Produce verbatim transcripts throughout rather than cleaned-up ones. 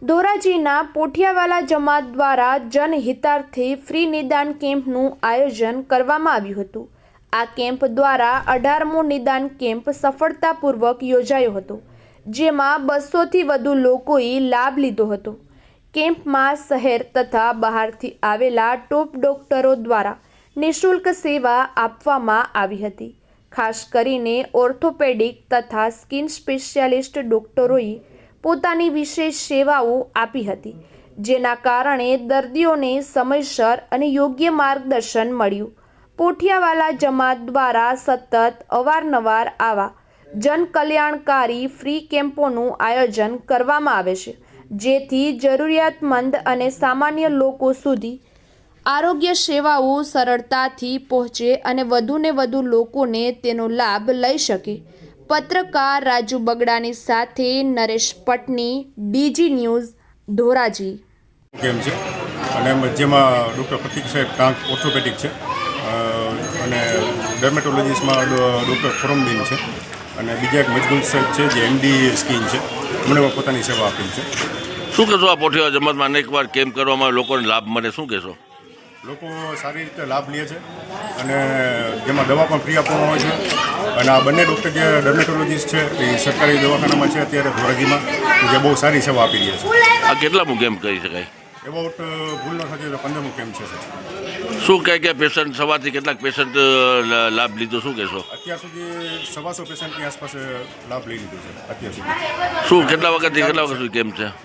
ધોરાજીના પોઠિયાવાલા જમાત દ્વારા જનહિતાર્થે ફ્રી નિદાન કેમ્પનું આયોજન કરવામાં આવ્યું હતું। આ કેમ્પ દ્વારા અઢારમો નિદાન કેમ્પ સફળતાપૂર્વક યોજાયો હતો, જેમાં બસોથી વધુ લોકોએ લાભ લીધો હતો। કેમ્પમાં શહેર તથા બહારથી આવેલા ટોપ ડોક્ટરો દ્વારા નિઃશુલ્ક સેવા આપવામાં આવી હતી। ખાસ કરીને ઓર્થોપેડિક તથા સ્કિન સ્પેશિયાલિસ્ટ ડોક્ટરોએ પોતાની વિશેષ સેવાઓ આપી હતી, જેના કારણે દર્દીઓને સમયસર અને યોગ્ય માર્ગદર્શન મળ્યું। પોઠિયાવાલા જમાત દ્વારા સતત અવારનવાર આવા જનકલ્યાણકારી ફ્રી કેમ્પોનું આયોજન કરવામાં આવે છે, જેથી જરૂરિયાતમંદ અને સામાન્ય લોકો સુધી આરોગ્ય સેવાઓ સરળતાથી પહોંચે અને વધુને વધુ લોકોને તેનો લાભ લઈ શકે। પત્રકાર રાજુ બગડાની સાથે નરેશ પટની, ડીજી ન્યૂઝ, ધોરાજી। કેમ છે અને જેમાં ડૉક્ટર પ્રતિક સાહેબ ટાંક ઓર્થોપેડિક છે અને ડર્મેટોલોજીસ્ટમાં ડૉક્ટર ફોરમબીન છે અને બીજા એક મજગુલ સાહેબ છે જે એમડી સ્કિન છે, એમણે પોતાની સેવા આપી છે। શું કહેશો આ પોઠિયા જમાતમાં અનેકવાર કેમ્પ કરવામાં લોકોને લાભ મળે, શું કહેશો? લોકો સારી રીતે લાભ લે છે અને જેમાં દવા પણ ફ્રી આપવામાં આવે છે અને આ બંને ડૉક્ટર જે ડર્મેટોલોજીસ્ટ છે એ સરકારી દવાખાનામાં છે અત્યારે ધોરાજીમાં, જે બહુ સારી સેવા આપી રહ્યા છે। આ કેટલામું કેમ્પ કરી શકાય? એબાઉટ ભૂલ ન થતી તો પંદરમું કેમ્પ છે સર। શું કહે કે પેશન્ટ સવારથી કેટલાક પેશન્ટ લાભ લીધો, શું કહેશો? અત્યાર સુધી સવાસો પેશન્ટની આસપાસ લાભ લઈ લીધો છે અત્યાર સુધી। શું કેટલા વખતથી કેટલા વખત સુધી કેમ્પ છે?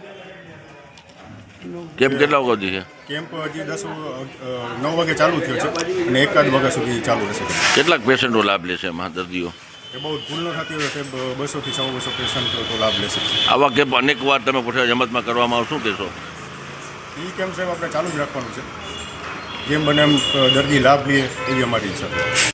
કેમ્પ કેટલા વખતથી છે? કેમ્પ હજી દસ નવ વાગે ચાલુ થયો છે અને એકાદ વાગ્યા સુધી ચાલુ રહેશે। કેટલાક પેશન્ટો લાભ લેશે એમાં દર્દીઓ? એ બહુ ભૂલ ન થતી હોય સાહેબ, બસોથી સવા બસો પેશન્ટ તો લાભ લેશે। આવા કેમ્પ અનેક વાર તમે પોઠિયા જમાતમાં કરવામાં આવે, શું કહેશો? એ કેમ્પ સાહેબ આપણે ચાલુ જ રાખવાનું છે, જેમ બને એમ દર્દી લાભ લે એવી અમારી ઈચ્છા છે।